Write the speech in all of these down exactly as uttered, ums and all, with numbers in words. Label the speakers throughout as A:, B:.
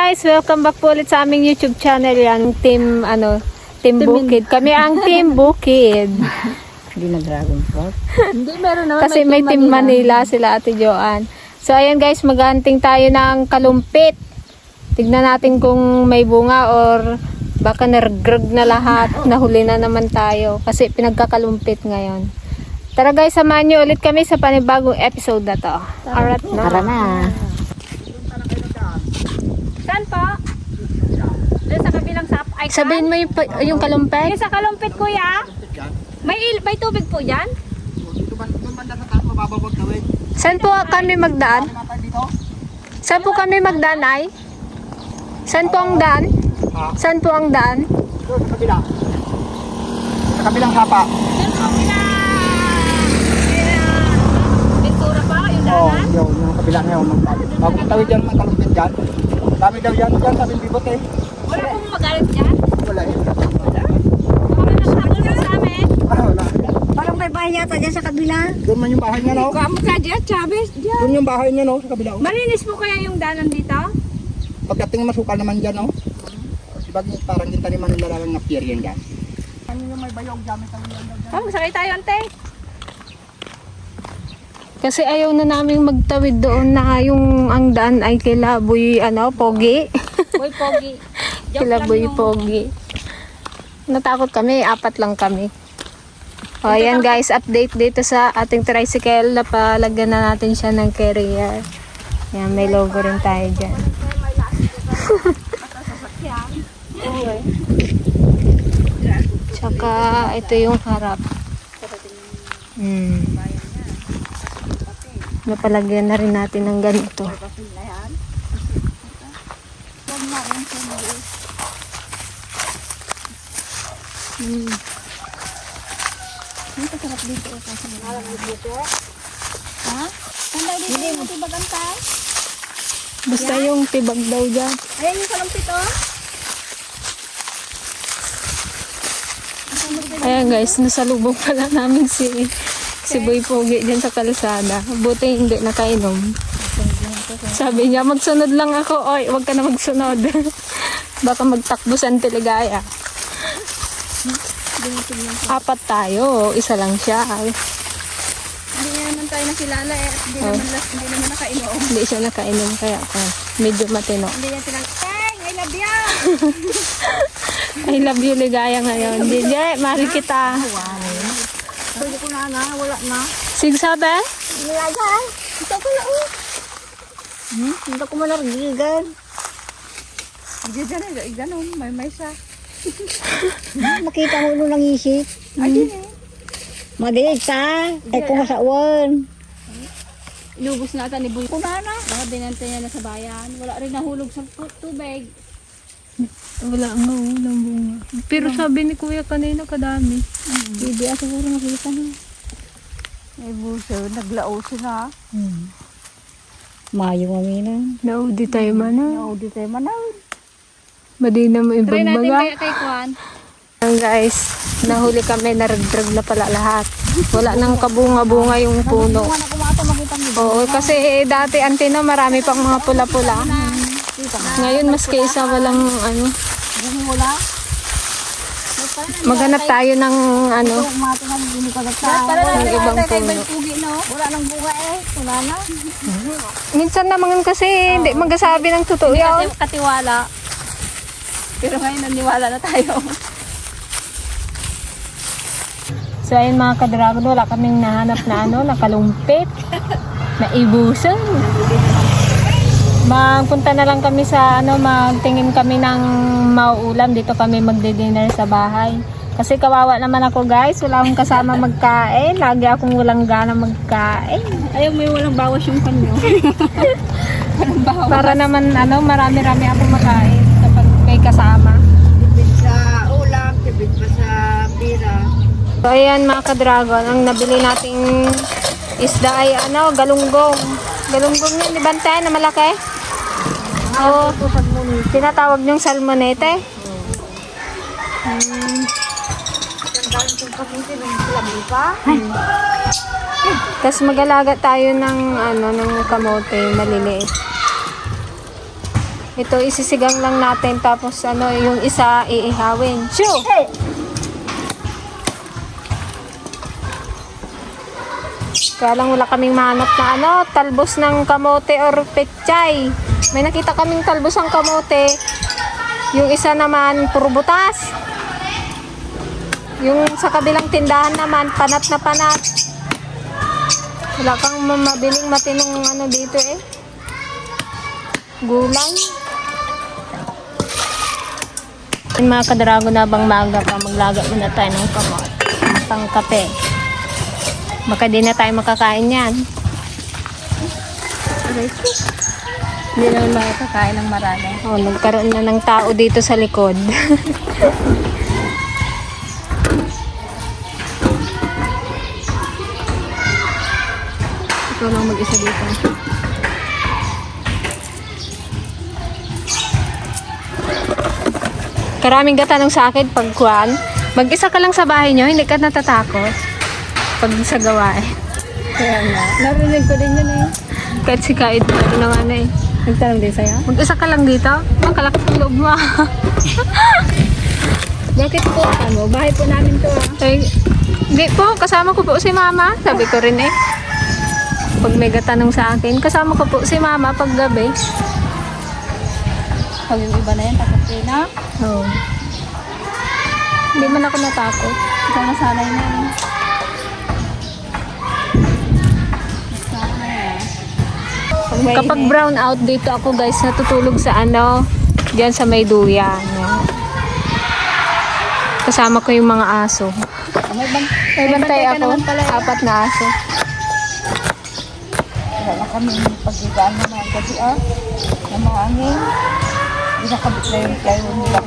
A: guys, welcome back po ulit sa aming YouTube channel. Yan, team ano, Team Bukid. Kami ang Team Bukid.
B: Hindi na Dragon Fruit.
C: Hindi, meron naman.
A: Kasi may Team Manila, sila Ate Joanne. So ayan guys, maghanting tayo ng kalumpit. Tignan natin kung may bunga or baka nargrag na lahat. Nahuli na naman tayo kasi pinagkakalumpit ngayon. Tara guys, samahan nyo ulit kami sa panibagong episode na to. Alright na.
B: Tara na.
C: Saan po? Doon sa kabilang sap. Ay,
A: Sabihin mo yung, yung kalumpit.
C: yung sa kalumpit, kuya. May, il may tubig po dyan?
A: Saan po kami magdaan? Saan po kami magdaan ay? Saan po ang daan? Saan po ang daan?
D: Doon sa kabila. Sa kabilang sapa.
C: Doon po kina... kina... Ventura pa, yung
D: Oo,
C: daanan?
D: yun, yung kabila na yun. Bago tawid yan, mga kalumpit dyan. Dami daw yan dyan, sabi bibot eh.
C: Wala pong magalit dyan?
D: Wala eh.
C: Baka nagsahabol ka sa amin?
D: Ah, wala.
B: Parang may bahay yata dyan sa kabila.
D: Doon man yung bahay niya, no?
C: Kamu ka dyan, Chavez, dyan.
D: Doon yung bahay niya, no? Sa kabila. oh.
C: Malinis po kaya yung daanan dito?
D: Pagdating masukal naman dyan, no? Sibag parang yung taniman nila lang na pier yan dyan. Ano yung may bayog dyan? May taniman dyan.
C: Kamu, sakay tayo, ante.
A: Kasi ayaw na namin magtawid doon na yung ang daan ay kila Boy, ano, Pogi.
C: Boy, pogi. Joke
A: Kila
C: lang
A: Boy
C: yung-
A: Pogi. Natakot kami, apat lang kami. O ayan guys, update dito sa ating tricycle. Napalagyan na natin siya ng carrier. Yan, may logo rin tayo dyan. Tsaka ito yung harap. Hmm. Napalagyan na rin natin ng ganito. Hmm.
C: Ha? Saan daw dito yung matibagantay?
A: Basta yung tibag daw dyan.
C: Ayan yung kalumpit, oh.
A: Ayan guys, nasalubong pala namin si si Boy Pogi dyan sa kalsada. Buti hindi nakainom. Sabi niya, magsunod lang ako. Oy, wag ka na magsunod. Baka magtakbusan Teligaya. Apat tayo. Isa lang siya. Ay,
C: Hindi niya naman tayo nakilala eh. At hindi
A: Oh.
C: naman, las- hindi naman nakainom.
A: hindi siya nakainom kaya oh, medyo matino.
C: Hindi niya tinang, Teng, I love you!
A: I love you, Ligaya ngayon. D J, mahal kita.
B: Pwede ko na na, wala na.
A: Sigsabi?
B: Nilagan. Ito ko na oh. Hmm? Hindi ko manargigan.
C: Hindi dyan eh, ganun, may may sa.
B: Makita mo nung nangisip.
C: Ayun eh.
B: Madilig ta. Ay kung masawan.
C: Inubos na ata ni Boy. Kunana. Baka binanta niya na sa bayan. Wala rin nahulog sa tu- tubig.
A: Wala nga, walang bunga. Pero sabi ni Kuya kanina kadami.
B: Hindi ako siguro nakita na. Ay buso, naglao sila. Hmm. Mayo maminan.
A: Naudi tayo man na.
B: Naudi tayo manaw.
A: Madi na mo
C: Try natin
A: ibagbaga.
C: kaya kay Kwan.
A: Ayan guys, nahuli kami, naragdrag na pala lahat. Wala nang kabunga-bunga yung puno.
B: Kung ano kumata makita mo.
A: Oo, kasi dati antino marami pang mga pula-pula. Ngayon mas kaysa walang ano.
B: Wala.
A: Maghanap tayo ng ano,
B: Kumata na hindi ko nagsa.
C: Para
A: ng
C: natin
A: ibang
C: ata kay
A: puno.
C: Boy Pugi, no?
B: Wala nang bunga eh. Wala na.
A: Minsan naman kasi hindi magasabi ng totoo
C: Hindi
A: yun.
C: kati- katiwala. Pero ngayon naniwala na tayo.
A: So ayun mga kadragon, wala kaming nahanap na ano, nakalumpit, na ibusan. Magpunta na lang kami sa ano, magtingin kami ng mauulam. Dito kami magdi-dinner sa bahay. Kasi kawawa naman ako guys, wala akong kasama magkain. Lagi akong walang gana magkain.
C: Ayaw, may walang bawas yung kanyo. Walang bawas.
A: Para naman ano, marami-rami akong makain kapag may kasama.
B: Tibig sa ulam, tibig pa sa pira.
A: So ayan mga ka-dragon, ang nabili nating isda ay ano, galunggong. Galunggong yun, di ba tayo na malaki? Oo, tinatawag niyong salmonete. Hmm. Tapos mag-alaga tayo ng ano, ng kamote maliliit. Ito isisigang lang natin tapos ano yung isa iihawin. Shoo! Kaya lang wala kaming manap na ano, talbos ng kamote or pechay. May nakita kaming talbos ng kamote. Yung isa naman puro butas. Yung sa kabilang tindahan naman panat na panat. Wala kang mabiling matinong ano dito eh. Gulay. Yung mga kadrago na bang maga pa, maglaga muna tayo ng kamot. Pang kape. Baka di na tayo makakain yan.
B: Hindi naman makakakain ng marami.
A: Oh, nagkaroon na ng tao dito sa likod.
B: Ikaw lang mag-isa dito.
A: Karaming gatanong sa akin pag kuwan. Mag-isa ka lang sa bahay nyo, hindi ka natatakot. Pag sa gawain.
B: Kaya nga. Narinig ko din yun eh.
A: Kahit si Kaid na rin naman eh.
B: Nagtanong din sa'yo?
A: Mag-isa ka lang dito? Ang kalakas ng loob mo.
B: Bakit po? Ano? Bahay po namin to ah.
A: Eh, hindi po, kasama ko po si Mama. Sabi ko rin eh. Pag may gatanong sa akin, kasama ko po si Mama pag gabi.
B: Pag yung iba na yan, takot kayo na.
A: Oo. Hindi man ako natakot.
B: Ikaw nasanay na eh. Pag may
A: Kapag
B: init.
A: brown out dito ako guys, natutulog sa ano, diyan sa may duyan. Yan. Kasama ko yung mga aso.
B: Ah, may, ban-
A: May bantay
B: ka
A: ako,
B: naman pala. eh.
A: apat na aso.
B: Wala na kami pagkigaan naman kasi ah, ng mga angin. Hindi nakabit na yung kayo nila.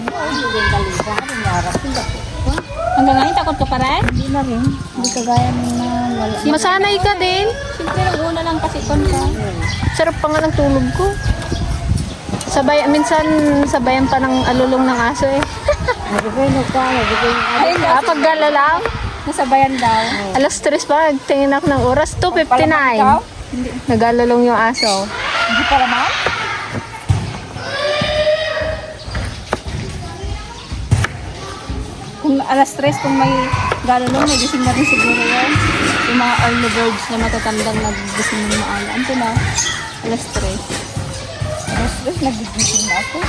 B: Hanggang ngayon, takot ka pa rin? Hindi na rin. Hindi kagaya ng na wala.
A: Masanay ka din.
B: Siyempre, nung una lang kasi kon ka.
A: Sarap pa nga ng tulog ko. Sabay, minsan sabayan pa ng alulong ng aso eh.
B: Nagigaynog ka, nagigaynog ka. Ayun
A: Ah, pag galalaw,
B: nasabayan daw.
A: alas tres pa, tingin ako ng oras, two fifty-nine.
B: Hindi.
A: Nag-alulong yung aso.
B: Hindi pa naman? Kung alas tres, kung may galulong, may gising na rin siguro yan. Yung mga early birds na matatandang nag-gising ng maaga. Ano na? Alas tres. Alas tres, nag-gising na ako.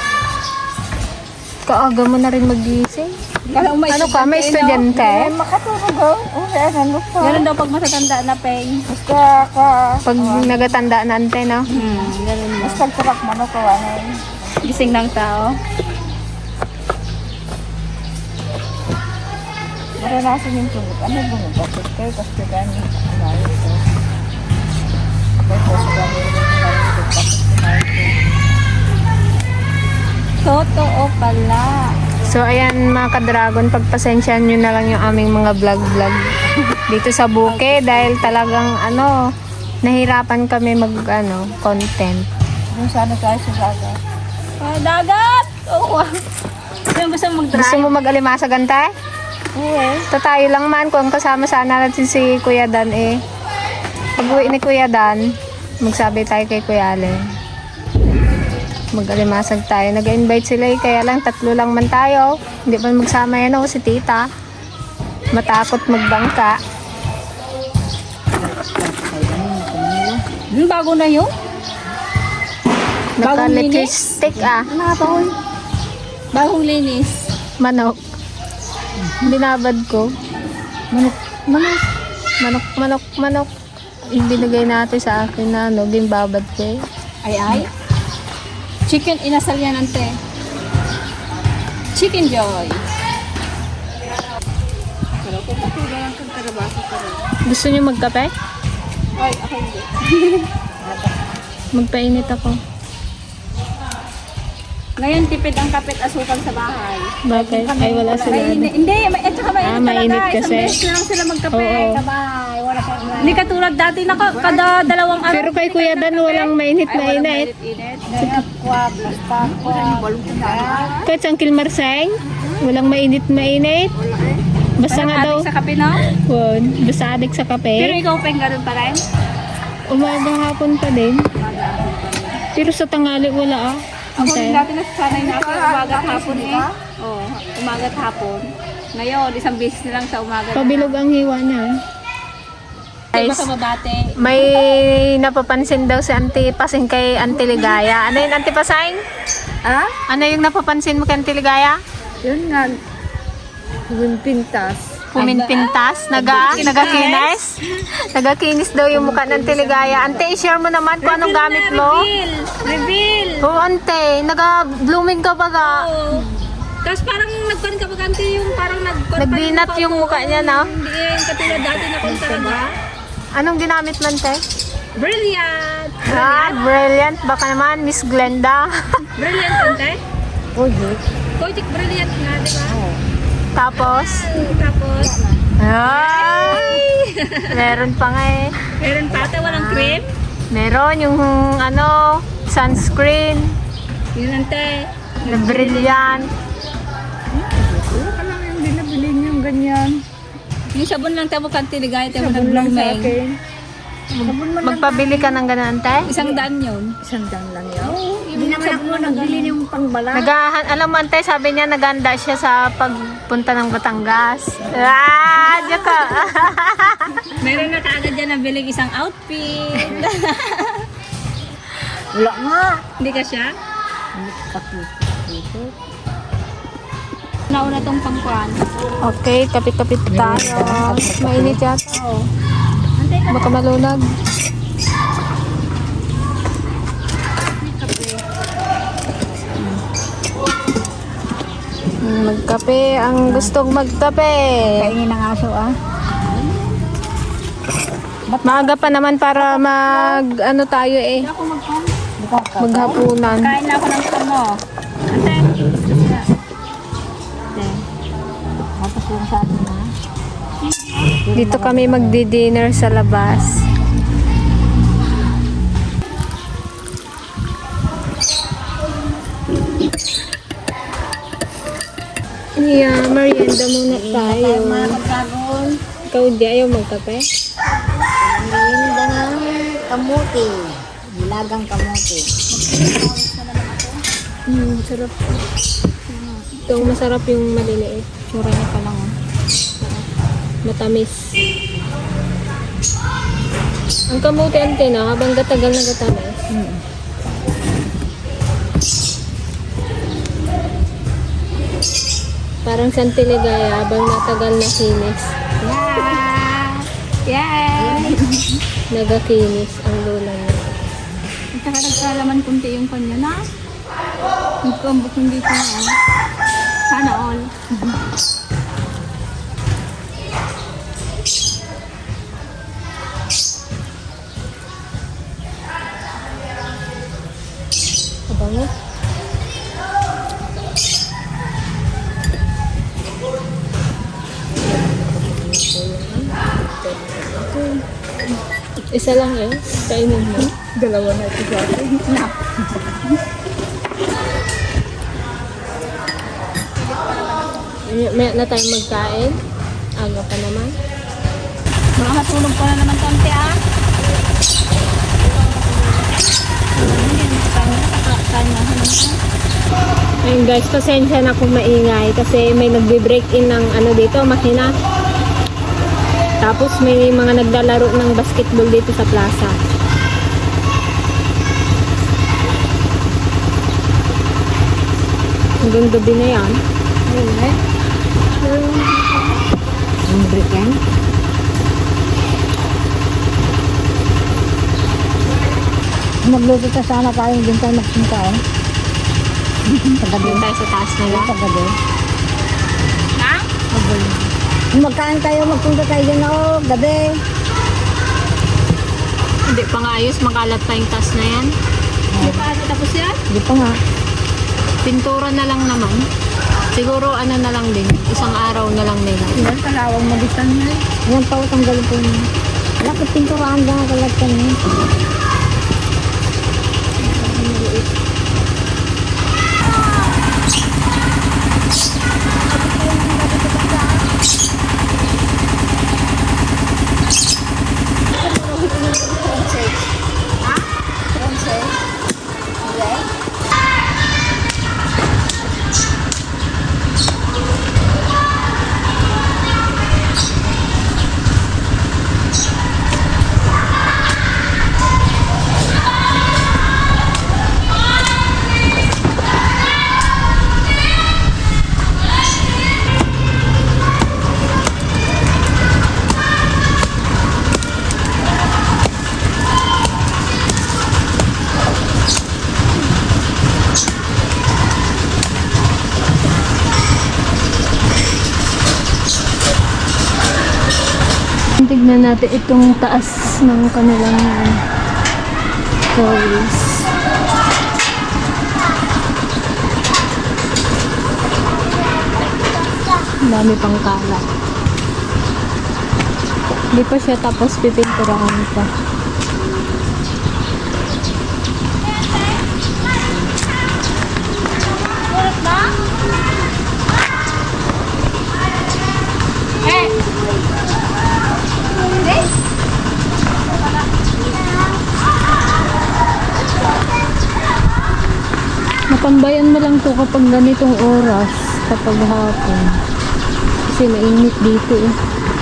A: Kaaga mo na rin magising.
B: Kala may
A: Ano ka, may estudyante?
B: Hindi, makatulog ako. Oo, ano pa. Ganun daw pag matatanda na, Peng. Basta ka.
A: Pag nagatanda na ante, no?
B: Hmm, ganun na. Basta kurak mo na kawanay. Gising ng tao. Maranasan yung tungkol. Ano bang bakit kayo? Kasi gano'n kumain ito. Kaya po sa gano'n yung kumain ito. Bakit kumain ito? Totoo pala.
A: So, ayan mga ka-dragon, pagpasensyahan nyo na lang yung aming mga vlog-vlog dito sa buke dahil talagang, ano, nahirapan kami mag, ano, content.
B: Kung sana tayo sa dagat. Ah, dagat! Oo. Yung gusto mong
A: Gusto
B: mag-drive?
A: mo mag-alimasag ante?
B: Oo.
A: Ito tayo lang man, kung kasama sana natin si Kuya Dan eh. Pag uwi ni Kuya Dan, magsabi tayo kay Kuya Allen. Mag-alimasag tayo. Nag-invite sila eh, kaya lang tatlo lang man tayo. Hindi pa magsama yan ako si Tita. Matakot magbangka.
B: Yung bago na yun? Bagong
A: Naka-lipstick ah.
B: Nakapahol. Bagong linis.
A: Manok. Binabad ko.
B: Manok. Manok.
A: Manok, manok, manok. Ibinigay natin sa akin na ano, bimbabad ko eh.
B: Ay ay. Chicken inasal yan ante. Chicken joy. Pero kung patuloy lang kang karabaso pa rin.
A: Gusto niyo magkape?
B: Ay, ako hindi.
A: Magpainit ako.
B: Ngayon, tipid ang kapit asukal sa bahay.
A: Bakit? Ay, wala sila.
B: Ay, hindi, hindi, may, at saka mainit
A: Ah, mainit
B: talaga.
A: kasi.
B: Isang beses na lang sila magkape
A: Oo.
B: sa bahay. Wala pa. Hindi katulad dati na ka- kada dalawang araw.
A: Pero kay Kuya Dan, walang mainit na init.
B: Init. Kaya kwab, basta kwab.
A: Kahit sa Uncle Marseng, walang mainit mainit. Basta nga daw,
B: Sa kape na?
A: won, basta adik sa
B: Pero
A: kape.
B: ikaw, Peng, ganun pa rin?
A: Umaga hapon pa din. Pero sa tangali wala ah.
C: Ako rin dati nasanay na ako umaga at hapon eh. Oo, umaga at hapon. Ngayon, isang beses na lang sa umaga.
A: Pabilog ang hiwa niya.
C: Iba
A: Guys,
C: sa mabate.
A: may napapansin daw si Auntie Pasing kay Auntie Ligaya. Ano yun, Auntie Pasing?
B: Ah?
A: Ano yung napapansin mo kay Auntie Ligaya?
B: Yun nga. Yung pintas.
A: Puminpintas? Naga, nagakinis? Nagakinis daw yung mukha ng Auntie Ligaya. Auntie, i-share mo naman kung anong gamit mo.
C: Reveal! Reveal!
A: Oo, Auntie. Naga-blooming ka ba ga?
C: Oo. Tapos parang nagkan ka bagante yung parang nag
A: Nagbinat yung mukha niya, no?
C: Hindi eh, katulad dati na kung talaga.
A: Anong ginamit mo, Auntie?
C: Brilliant!
A: Ah, brilliant. Baka naman, Miss Glenda.
C: Brilliant, ante?
B: Ojik.
C: Kojik brilliant nga, di ba?
A: Tapos,
C: Tapos,
A: ay! Meron pa nga eh.
C: meron pa ata walang cream.
A: Meron yung ano, sunscreen,
C: Yun, ante.
A: na brilliant.
B: Wala ka lang yung binabili niyong ganyan.
C: Yung sabon lang tayo kan tiligay tayo
B: Sabon lang sa
C: nag-blooming.
B: akin. Sabon man lang.
A: Magpabili ka ng ganun, Tay?
C: Isang daan yun.
B: Isang dang lang yan. Hindi naman ako nagbili ng pangbala.
A: Nagahan, alam mo, Tay, sabi niya naganda siya sa pagpunta ng Batangas. Ah, diyan ka.
C: Meron na kaagad dyan na bilig isang outfit.
B: Wala nga.
C: Hindi ka siya?
B: Kapit.
C: Nauna tong pangkuhan.
A: Okay, kapit-kapit tayo. Mainit yata.
C: Oo.
A: Baka malunag. Magkape. Ang gustong magkape.
B: Kainin ng aso ah.
A: Maaga pa naman para mag, ano tayo eh,
C: Ako magkuhan.
A: maghapunan.
C: Kain na ako ng ano. Ate.
B: Tapos yung sa atin na.
A: Dito kami magdi-dinner sa labas. Yeah, merienda muna tayo.
B: Magkagol.
A: Ikaw di ayaw magkape?
B: Merienda ng kamuti. Nilagang kamuti.
A: Hmm, sarap. Ito, masarap yung maliliit.
C: Tsura niya pa lang. Oh.
A: Matamis. Ang kamuti ante na, habang gatagal na gatamis. Parang santiligaya, habang natagal na kinis.
C: Yeah!
A: Nagakinis ang lula niya.
C: At saka nagkalaman kunti yung kanya na. Nagkambok hindi ko na. Sana all.
A: Abango. Isa lang eh. Kainin mo.
B: Dalawa na ito sa atin.
A: May- May na tayo magkain. Aga pa naman.
C: Makakatulog pa na naman konti ah.
A: Ayun guys, pasensya na kung maingay kasi may nagbe-break in ng ano dito, makina. Tapos may mga naglalaro ng basketball dito sa plaza. Hanggang gabi na yan.
B: Yung briken. Magluto ka sana tayo. Hindi tayo magpunta eh. Sa gabi.
A: Doon tayo sa taas nila.
B: Sa gabi.
C: Ha?
B: Kung magkain tayo, magpunta tayo dyan ako. Gabi.
A: Hindi pa nga ayos, makalat pa yung taas na yan.
C: Hindi pa ata tapos yan?
B: Hindi pa nga.
A: Pintura na lang naman. Siguro ano na lang din, isang araw na lang nila.
C: Yan, kalawang magitan na eh.
B: Yan pa utang galing po niya. Wala ka pinturaan ba nga kalat ka niya.
A: Tingnan natin itong taas ng kanilang uh, toys. Ang dami pang kalat. Hindi pa siya tapos pipinturahan pa. Natambayan mo lang to kapag ganitong oras, kapag hapon. Kasi mainit dito eh.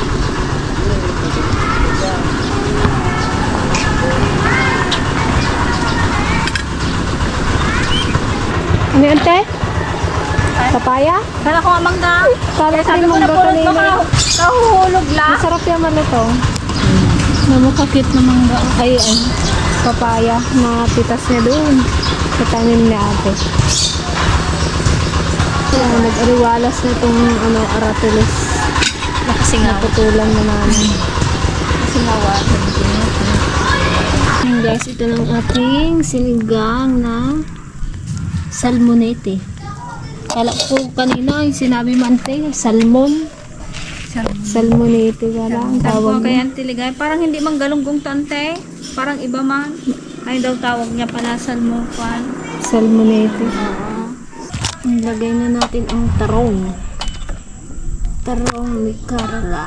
A: Ano yun, te? Papaya?
B: Kala ko nga mangga.
A: Kala ko
B: Sabi
A: yung
B: ko na
A: mangga
B: pulot
A: kanina.
B: baka nahuhulog lang.
A: Masarap yung malutong. Namakakit na mangga. Ay, ay. Papaya na pitas niya doon. Sa tanim ni ate. Kaya nag-ariwalas na itong ano, aratilis.
B: Nakasingaw.
A: Naputulan na namin.
B: Singawa.
A: Ayan guys, ito ng ating sinigang na salmonete. Kala ko kanina yung sinabi mo ante, salmon. Salmonete wala ang
B: Tawag
A: tawag
B: ko kay
A: mo.
B: Auntie Ligay. Parang hindi man galunggong tante. Parang iba man. Ay daw tawag niya pala salmokan.
A: Salmonete.
B: Oo.
A: Ilagay na natin ang tarong. Tarong may karga.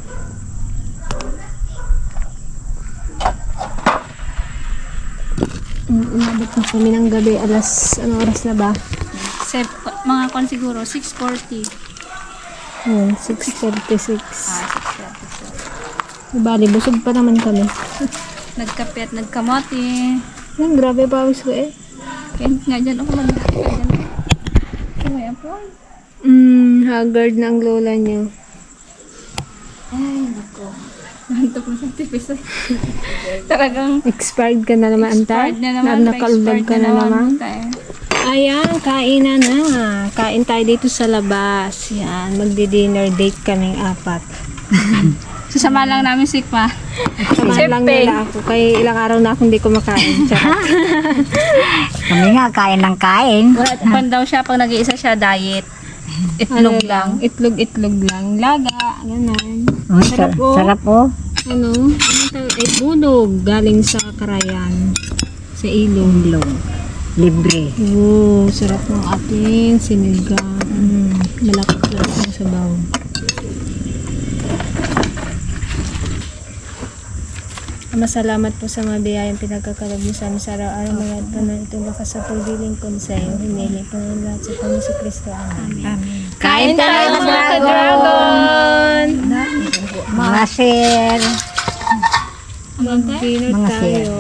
A: Mm, Umabot na kami ng gabi. Alas, ano oras na ba?
B: Sep, mga kon siguro, six forty.
A: Hmm, six thirty-six.
B: Ah, six forty.
A: Bali, busog pa naman kami.
B: Nagkape at nagkamote.
A: Yan, grabe pawis ko eh.
B: Kaya nga dyan ako nagkape dyan. Kaya po.
A: Mm, haggard na ang lola niyo.
B: Ay, nako. Nantok na sa tipis eh. Talagang
A: Expired ka na naman, anta?
B: expired na naman.
A: Nakaldag ka na naman.
B: tayo.
A: Ayan, kainan na. Kain tayo dito sa labas. Yan, magdi-dinner date kaming apat.
B: Susama lang namin si Pa.
A: Samahan lang
B: Siyempre.
A: nila ako. Kaya ilang araw na akong hindi kumakain. Charot.
C: Kami nga, kain ng kain.
B: Wala, pan daw siya pag nag-iisa siya diet.
A: Ano
B: Itlog lang.
A: Itlog-itlog lang. Laga, ganun.
C: Oh,
A: Sarap,
C: sarap,
A: oh.
C: sarap oh.
A: Ano? Ano tawag? Eh, bunog. Galing sa Karayan. Sa ilong.
C: Ilong. Libre.
A: Oo, sarap ng ating sinigang. Mm, malakot-lakot ng sabaw. Masalamat po sa mga biyayang pinagkakalog niyo sa amin sa araw-araw. Mga po na itong lakas sa pagdiling konseyo. Hinili po ng lahat sa Panginoon si Kristo. Amen.
B: Kain tayo mga ka-dragon!
C: Mga sir.
A: Mag-dinner
C: Mga
A: tayo.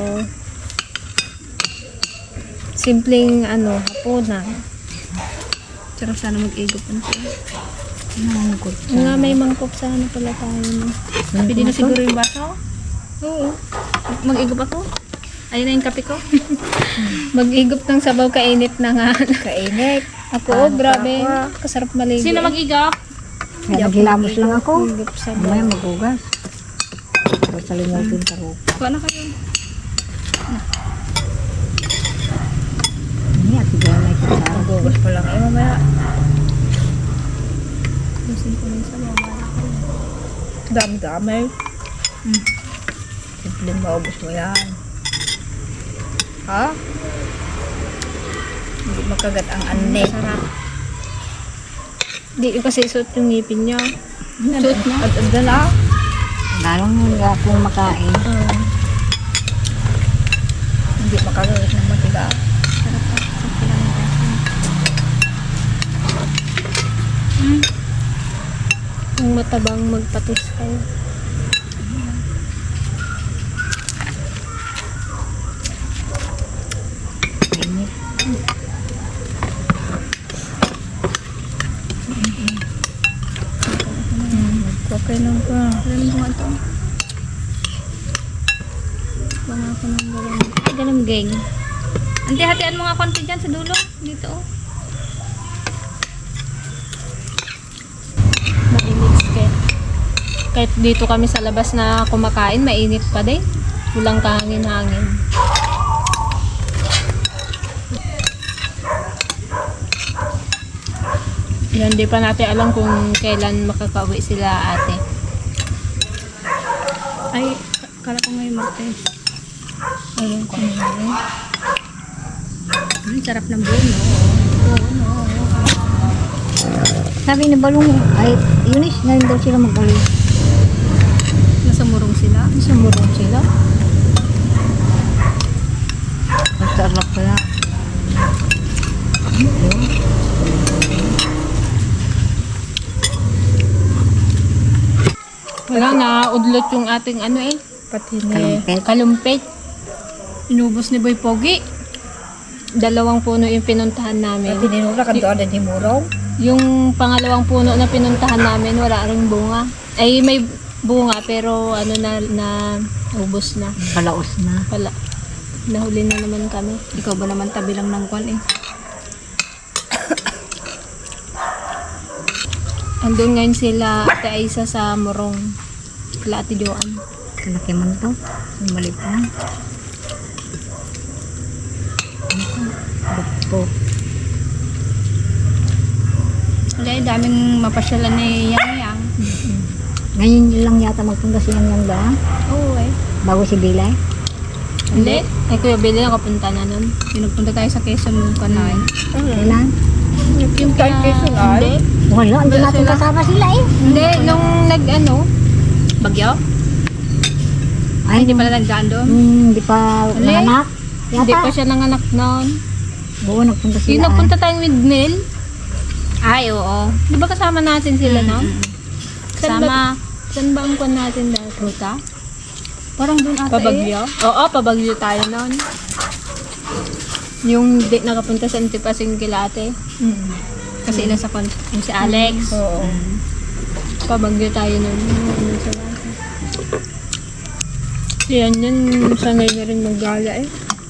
A: Simpleng ano, hapunan.
B: Sarap sana mag-igop na siya.
A: Nga may mangkok sana pala tayo. No?
B: Pwede na siguro yung baso?
A: Oo.
B: Mag-igop ako? Ayun na yung kape ko.
A: Mag-igop ng sabaw, kainit na nga.
C: Kainit.
A: Ako, oh, grabe. Kasarap maligo.
B: Sino mag-igop?
C: Kaya maghilamos lang ako.
A: Igop sabaw.
C: Mamaya magugas. Pero salimutin ka ro.
B: Kuha na kayo.
C: Hindi, at bigyan na ito sa
B: Magugas pa lang. Eh, mamaya.
C: dami-dami. Hmm. Simpleng maubos mo yan. Ha? Hindi makagat ang ane.
B: Sarap.
A: Di kasi suot yung ngipin niya.
B: Suot na.
C: At anda na. Lalong nga akong makain.
A: Uh,
C: Hindi makagat ng matiga.
A: yung matabang magpatos kayo.
C: Okay lang ka.
B: Alam mo ito. Banga ko ng galang. Galang gang. Ante, hatian mo nga konti dyan sa dulo. Dito oh.
A: Mainit ka. Kahit dito kami sa labas na kumakain, mainit pa din. Walang kahangin-hangin. Yan, di pa natin alam kung kailan makakauwi sila ate.
C: Ay, kala ko ngayon Martes.
A: Ayun ko na.
C: Ang sarap ng buo, no? Oo, no.
B: Sabi ni Balong, ay, Eunice, ngayon daw sila mag-uwi.
C: Nasa murong sila.
A: Sa murong sila.
B: Ang sarap kaya.
A: Wala na, udlot yung ating ano eh. Pati ni
B: Kalumpit.
A: kalumpit.
C: Inubos ni Boy Pogi.
A: Dalawang puno yung pinuntahan namin.
B: Tinura ka doon na di murong.
A: Yung pangalawang puno na pinuntahan namin, wala ring bunga. Ay, may bunga, pero ano na, na ubos na.
B: Palaos na.
A: Pala, nahuli na naman kami.
C: Ikaw ba naman tabi lang ng kwan eh?
A: Andun ngayon sila, Ate Aisa sa Morong. Kala Ate Joan.
B: Kalaki man to. Ang maliit na. Bukpo.
C: Wala, eh, daming mapasyalan ni Yang Yang.
B: Ngayon lang yata magpunta si Yang Yang ba?
C: Oo eh.
B: Bago si Bilay.
A: Hindi. Ay, Kuya Billy, nakapunta na nun.
C: Pinagpunta tayo sa Quezon nung kanay.
B: Kailan?
A: Yung kay Quezon ay?
B: Wala, hindi natin kasama sila eh.
A: Hindi, nung nag ano,
C: Bagyo?
B: Ay,
C: Hindi pala nagdaan doon.
B: Hmm, hindi pa
A: Uli?
B: nanganak.
A: hindi
B: Yata.
A: pa siya nanganak noon.
B: Oo, nagpunta sila.
A: Yung nagpunta tayong with Nel,
C: Ay, oo.
A: di ba kasama natin sila, no? Saan ba,
C: Sama.
A: saan ba ang kwan natin dahil? Ruta?
C: Parang doon ata
A: Pabagyo? Oo, pabagyo tayo noon. Yung di nakapunta sa Antipasing kila ate.
C: Kasi ilan sa kwan. Yung si Alex.
A: Oo. Pabagyo tayo noon. Ano sa lahat. Yan yun, sanay na rin maggala eh.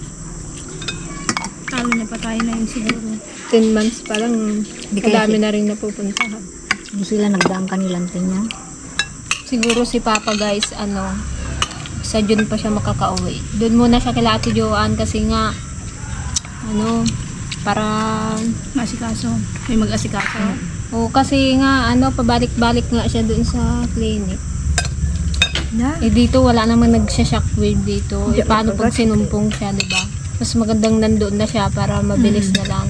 C: Talo na pa tayo na yun siguro.
A: ten months pa lang,
B: Di kaya
A: madami
B: si-
A: na rin napupuntahan.
B: Hindi sila nagdaang kanilang niya.
A: Siguro si Papa guys, ano, sa June pa siya makakauwi. Doon muna siya kila Ate Joanne kasi nga, ano, para,
C: Masikaso. May mag-asikaso.
A: o kasi nga, ano, pabalik-balik nga siya doon sa clinic.
C: Na?
A: Eh dito, wala namang nagsha-shockwave dito. Eh paano pag sinumpong siya, di ba? Mas magandang nandoon na siya para mabilis na lang.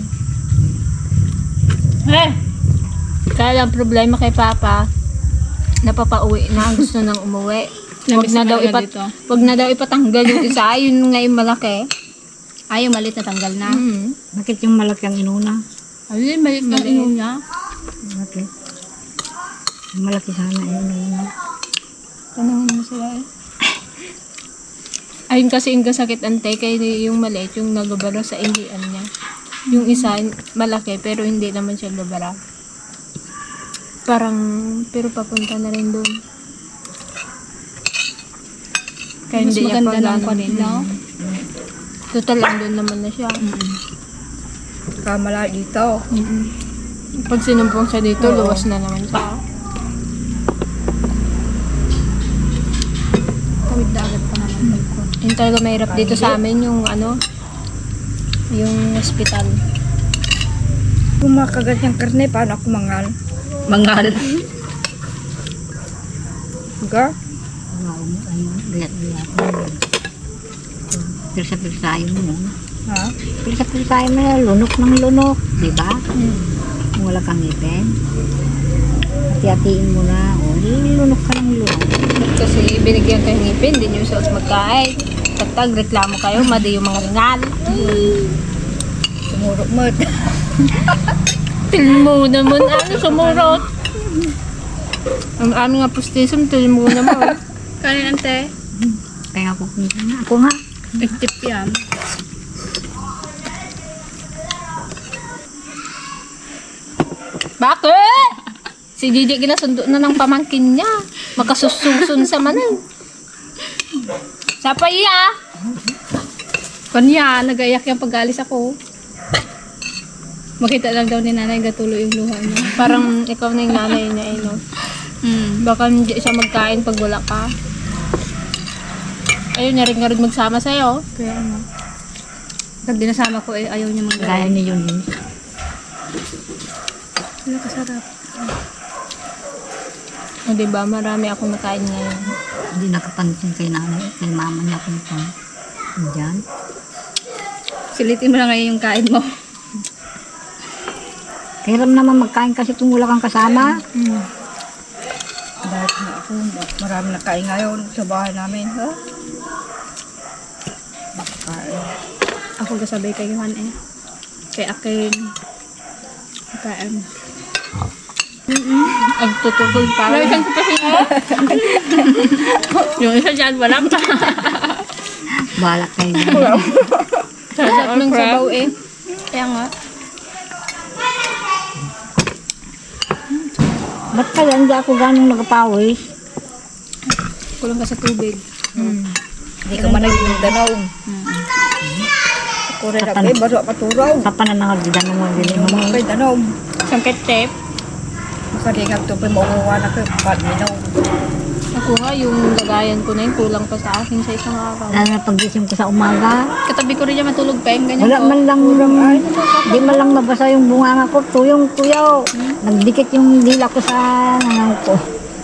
C: Eh!
A: Kaya lang problema kay Papa, napapauwi na, gusto nang umuwi. Wag na daw ipat
C: dito.
A: wag na daw ipatanggal yung isa, yun nga yung malaki.
C: Ay, yung malit na tanggal na.
A: Mm.
B: Bakit yung malaki ang inuna?
C: Ay, malit na ino niya.
B: Bakit? Yung malaki sana yung inuna.
A: Tanungin mo sila eh. Ayun kasi yung kasakit ante, kaya yung maliit, yung nagabara sa indian niya. Yung isa, malaki, pero hindi naman siya gabara. Parang, pero papunta na rin doon. Kaya
C: Mas
A: hindi niya
C: maganda
A: pa
C: ng
A: gano'n.
C: kwan, no?
A: Total, andun naman na siya.
B: Kamala dito.
A: Mm-mm. Pag sinumpong siya dito, luwas na naman siya.
C: Tawid na agad pa naman.
A: Yung talaga mahirap dito sa amin, yung ano, yung hospital.
B: Kung makagat yung karne, paano ako mangal?
C: Mangal.
B: Ga? Pirsa-pirsayin mo. Ha? Pirsa-pirsayin mo na, lunok ng lunok. Diba? Kung wala kang ngipin. Hati-hatiin mo na. O, lunok ka ng lunok.
A: Kasi binigyan kayo ng ngipin, hindi nyo suot magkain. Tagtag, reklamo kayo, madi yung mga ringal.
B: Sumurok mo.
A: Tilmo naman, ano, sumurot. Ang aming nga postism, tilmo naman.
C: Kanin ante.
B: Kaya ako kumita na. Ako nga.
C: Nag-tip yan.
A: Bakit? Si Gigi ginasundo na ng pamangkin niya. Magkasususun sa manan. Sapa iya.
C: Kanya, nag-ayak yung pag-alis ako. Makita lang daw ni nanay gatuloy yung luha niya.
A: Parang ikaw na yung nanay niya, eh, no?
B: Hmm.
A: Baka hindi siya magkain pag wala ka. Ayun niya rin nga rin magsama sa'yo.
B: Kaya ano. Pag dinasama ko eh, ayaw niya
C: Gaya
B: mag-gaya.
C: ni yun.
B: Wala kasarap.
A: O diba, marami akong nakain ngayon.
C: Hindi nakapansin kay nanay, kay mama niya kung pa. Diyan.
B: Silitin mo na ngayon yung kain mo.
C: Kairam naman magkain kasi kung wala kang kasama.
B: Hmm.
D: Dahil na ako, marami na kain ngayon sa bahay namin. Ha? Kain.
B: Ako kasabay kay Juan eh. Kay Akin. Kain.
A: Ang tutugol pa.
B: Nalitan ko pa siya. Yung isa dyan, wala pa.
C: Balak kayo.
B: Sarap ng sabaw eh. Kaya nga.
C: Ba't kaya hindi ako ganong nagpawis?
B: Kulang ka sa tubig.
D: Hindi ka man naging danaw. Ako rin ako eh, baso paturaw.
C: Kapananangag din mo din mo.
D: Kay danaw.
B: Sangket tip.
D: Makaringag to pa mauuwa na kayo. Ba't minaw?
A: Ako nga, yung lagayan ko na yun, kulang pa sa akin sa isang araw.
C: Lalo na pagising ko sa umaga.
B: Katabi ko rin niya matulog pa yung ganyan
C: Wala
B: ko.
C: man lang, di man lang mabasa yung bunganga ko. Tuyong tuyaw. Nagdikit yung dila ko sa nangaw ko.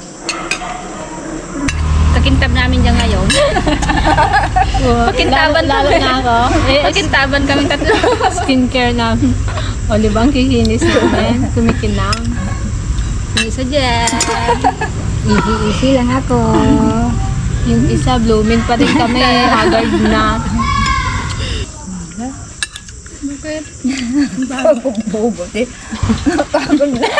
B: Kakintab namin dyan ngayon. Pakintaban
A: lalo, lalo na ako. Eh,
B: Pakintaban kami tatlo.
A: skincare namin. O, di ba ang kikinis namin? Kumikinang.
B: Yung isa dyan.
C: Easy-easy lang ako.
A: Yung isa, blooming pa rin kami. Haggard na.
B: Bakit?
D: Bagong bobo. Eh. Pagod na.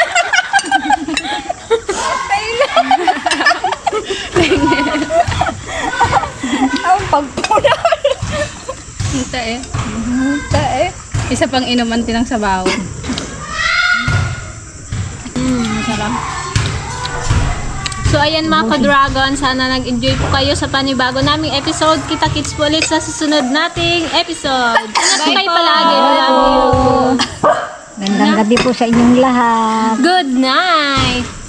D: Ang pagpunan.
B: Muta eh.
D: Muta eh.
B: Isa pang inuman tinang sabaw.
A: Mm, masarap. So ayan mga ka-dragon, sana nag-enjoy po kayo sa panibago naming episode. Kita-kits po ulit sa susunod nating episode. Ingat po kayo palagi. Love you.
C: Gandang gabi po sa inyong lahat.
A: Good night!